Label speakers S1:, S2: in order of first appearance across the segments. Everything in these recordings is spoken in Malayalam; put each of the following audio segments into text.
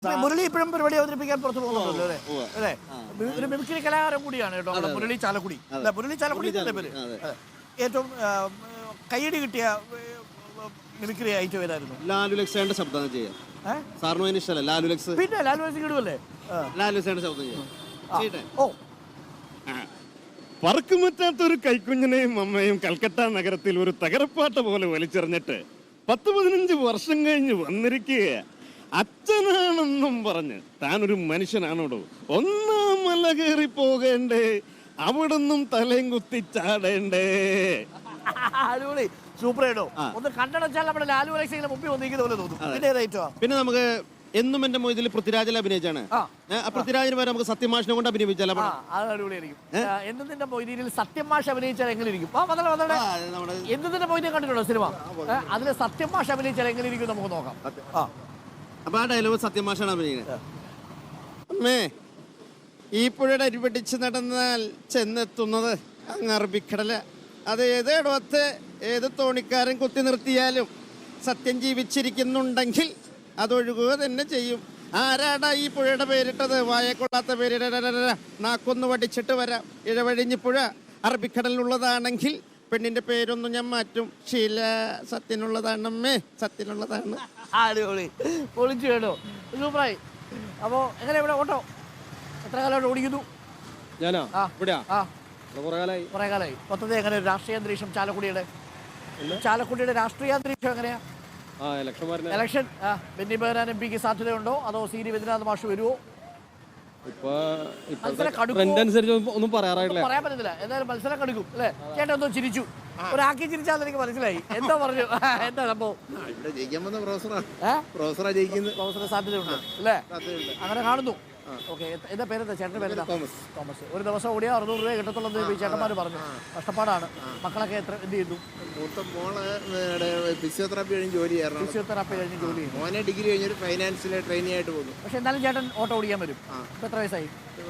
S1: മുരളി ഇപ്പോഴും പരിപാടി അവതരിപ്പിക്കാൻ പുറത്തു പോകുന്നുണ്ടല്ലോ അല്ലേ? ഒരു മിമിക്രി കലാകാരൻ കൂടിയാണ് കേട്ടോ മുരളി ചാലക്കുടി. മുരളി ചാലക്കുടി പേര് ഏറ്റവും കയ്യടി കിട്ടിയ മിമിക്രി അയച്ചു വരായിരുന്നു.
S2: ലാലു ലക്സേന്റെ ശബ്ദം ചെയ്യാം. സാറിന് ഇഷ്ടമല്ല ലാലു ലക്സ്?
S1: പിന്നെ ലാലു ലക്സ് കിടുവല്ലേ?
S2: ലാലു ലക്സേന്റെ ശബ്ദം ചെയ്യാം.
S1: ഓ,
S3: പറക്കുമറ്റാത്തൊരു കൈക്കുഞ്ഞിനെയും അമ്മയും കൽക്കട്ട നഗരത്തിൽ ഒരു തകരപ്പാട്ട പോലെ വലിച്ചെറിഞ്ഞിട്ട് 10-15 വർഷം കഴിഞ്ഞ് വന്നിരിക്കുക. അച്ഛനാണെന്നും പറഞ്ഞ് താനൊരു മനുഷ്യനാണോടോ? ഒന്നാം മല കയറി പോകേണ്ടേ, അവിടുന്നും തലയും കുത്തി ചാടേണ്ടേ.
S1: അടിപൊളി, സൂപ്പർ ആയിട്ടോ. ഒന്ന് കണ്ടടച്ചാൽ നമ്മുടെ ലാലു അലക്സിന്റെ മുമ്പിൽ വന്നിരിക്കുന്ന പോലെ തോന്നും.
S2: പിന്നെ നമുക്ക് എന്നും എന്റെ മൊയ്തിൽ പൃഥ്വിരാജിൽ അഭിനയിച്ചാണ്. പൃഥ്വിരാജിന് വരെ നമുക്ക് സത്യമാഷിനെ കൊണ്ട് അഭിനയിച്ചാൽ
S1: അടിപൊളിയായിരിക്കും. എന്നതിന്റെ മൊയ്തീനിൽ സത്യമാഷ് അഭിനയിച്ചാൽ എങ്ങനെ ഇരിക്കും? എന്നതിന്റെ മൊയ്തീൻ കണ്ടിട്ടുണ്ടോ സിനിമ? അതില് സത്യമാഷ് അഭിനയിച്ചാൽ എങ്ങനെ ഇരിക്കും നമുക്ക് നോക്കാം.
S2: അപ്പൊ ആ ഡയലോഗ് സത്യമാഷാണ് അഭിനയിക്കുന്നത്. അമ്മേ, ഈ പുഴയുടെ അരിപെട്ടിച്ച് നടന്നാൽ ചെന്നെത്തുന്നത് അങ്ങ് അറബിക്കടല. അത് ഏതേടത്തെ ഏത് തോണിക്കാരൻ കുത്തി നിർത്തിയാലും സത്യം ജീവിച്ചിരിക്കുന്നുണ്ടെങ്കിൽ അതൊഴുകുക തന്നെ ചെയ്യും. ആരാടാ ഈ പുഴയുടെ പേരിട്ടത്? വായക്കൊള്ളാത്ത പേര്. നാക്കൊന്ന് വടിച്ചിട്ട് വരാം. ഇഴവഴിഞ്ഞ് പുഴ അറബിക്കടലിലുള്ളതാണെങ്കിൽ പെണ്ണിന്റെ പേരൊന്നും ഞാൻ മാറ്റും. ശീല സത്യനുള്ളതാണമ്മേ, സത്യനുള്ളതാണ്.
S1: അടിപൊളി, പൊളിച്ചു കേട്ടോ, സൂപ്പറായി. അപ്പോ എങ്ങനെ ഇവിടെ ഓട്ടോ എത്ര കാലമായിട്ട് ഓടിക്കുന്നു?
S2: ഞാനോ കുറെ
S1: കാലമായി. മൊത്തത്തിൽ എങ്ങനെ രാഷ്ട്രീയ അന്തരീക്ഷം ചാലക്കുടിയുടെ രാഷ്ട്രീയ അന്തരീക്ഷം എങ്ങനെയാ? ഇലക്ഷൻ ബെന്നി ബെഹനാൻ എം പിക്ക് സാധ്യതയുണ്ടോ? അതോ സി ഡി രവീന്ദ്രനാഥ് മാഷ് വരുമോ?
S2: ഒന്നും പറയാൻ
S1: പറ്റത്തില്ല. എന്തായാലും മത്സരം കടുക്കും അല്ലേ? ചേട്ടൻ ഒന്നും ചിരിച്ചു, ഒരാക്കി ചിരിച്ചാൽ എനിക്ക് മനസ്സിലായി. എന്താ പറഞ്ഞു? എന്താ സംഭവം? പ്രൊഫസറെ സാധ്യതയുണ്ട് അല്ലേ? അങ്ങനെ കാണുന്നു. ഓക്കെ, എന്താ പേരെന്താ? ചേട്ടൻ്റെ പേരെന്താ? തോമസ്. ഒരു ദിവസം ഓടിയാൽ 600 രൂപ കിട്ടത്തുള്ളൂ ചേട്ടന്മാർ പറഞ്ഞു. കഷ്ടപ്പാടാണ്. മക്കളൊക്കെ എന്ത് ചെയ്യുന്നു?
S4: ഫിസിയോതെറാപ്പി കഴിഞ്ഞ് ജോലി ചെയ്യുന്നു. മോനെ ഡിഗ്രി കഴിഞ്ഞൊരു ഫൈനാൻസിലെ ട്രെയിനി ആയിട്ട് പോകുന്നു.
S1: പക്ഷെ എന്നാലും ചേട്ടൻ ഓട്ടോ ഓടിക്കാൻ വരും. ഇപ്പൊ എത്ര വയസ്സായി?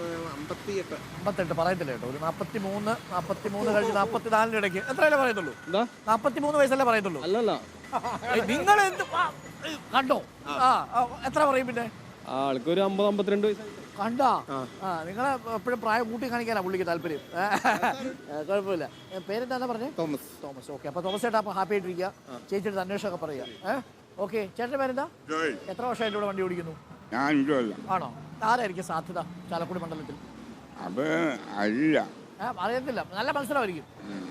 S4: 58
S1: പറയത്തില്ല കേട്ടോ. ഒരു 43 കഴിഞ്ഞ് 44 ഇടയ്ക്ക് എത്രയല്ലേ പറയത്തുള്ളൂ? 43 വയസ്സല്ലേ പറയത്തുള്ളൂ? നിങ്ങൾ എന്ത് കണ്ടോ? എത്ര പറയും പിന്നെ?
S2: ആൾക്കൊരു 50-52 വയസ്സായി.
S1: കണ്ടാ? നിങ്ങളെ എപ്പോഴും പ്രായം കൂട്ടി കാണിക്കാനാ പുള്ളിക്ക് താല്പര്യം. കുഴപ്പമില്ല. പേരെന്താ പറഞ്ഞേ? തോമസ്. ഓക്കെ, അപ്പൊ തോമസ് ചേട്ടാ അപ്പൊ ഹാപ്പി ആയിട്ടിരിക്കുക. ചേച്ചിയുടെ അന്വേഷണമൊക്കെ പറയുക. ഓക്കെ, ചേട്ടൻ്റെ പേരെന്താ? എത്ര വർഷമായിട്ട് ഇവിടെ വണ്ടി ഓടിക്കുന്നു? ആണോ? ആരായിരിക്കും സാധ്യത ചാലക്കുടി മണ്ഡലത്തിൽ? അറിയത്തില്ല. നല്ല മത്സരമായിരിക്കും.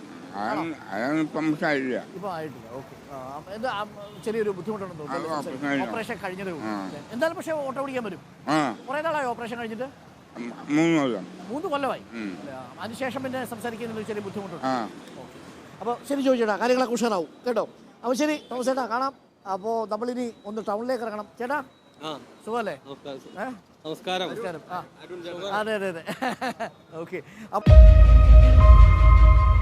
S1: ഇപ്പൊ ആയിട്ടില്ല. ഓക്കെ, എന്താ ചെറിയൊരു ബുദ്ധിമുട്ടുണ്ടെന്ന് തോന്നുന്നു. ഓപ്പറേഷൻ കഴിഞ്ഞതേ ഉള്ളൂ. എന്തായാലും പക്ഷെ ഓട്ടോ ഓടിക്കാൻ വരും. കുറെ നാളായി ഓപ്പറേഷൻ കഴിഞ്ഞിട്ട്? 3 കൊല്ലമായി. അതിനുശേഷം പിന്നെ സംസാരിക്കുന്നതിൽ ചെറിയ ബുദ്ധിമുട്ടുണ്ട്. അപ്പോൾ ശരി ചോദിച്ചേട്ടാ, കാര്യങ്ങളൊക്കെ ഉഷാറാവും കേട്ടോ. അപ്പോൾ ശരി തോമസ് ചേട്ടാ, കാണാം. അപ്പോൾ നമ്മളിനി ഒന്ന് ടൗണിലേക്ക് ഇറങ്ങണം. ചേട്ടാ സുഖമല്ലേ?
S2: നമസ്കാരം.
S1: അതെ. ഓക്കെ.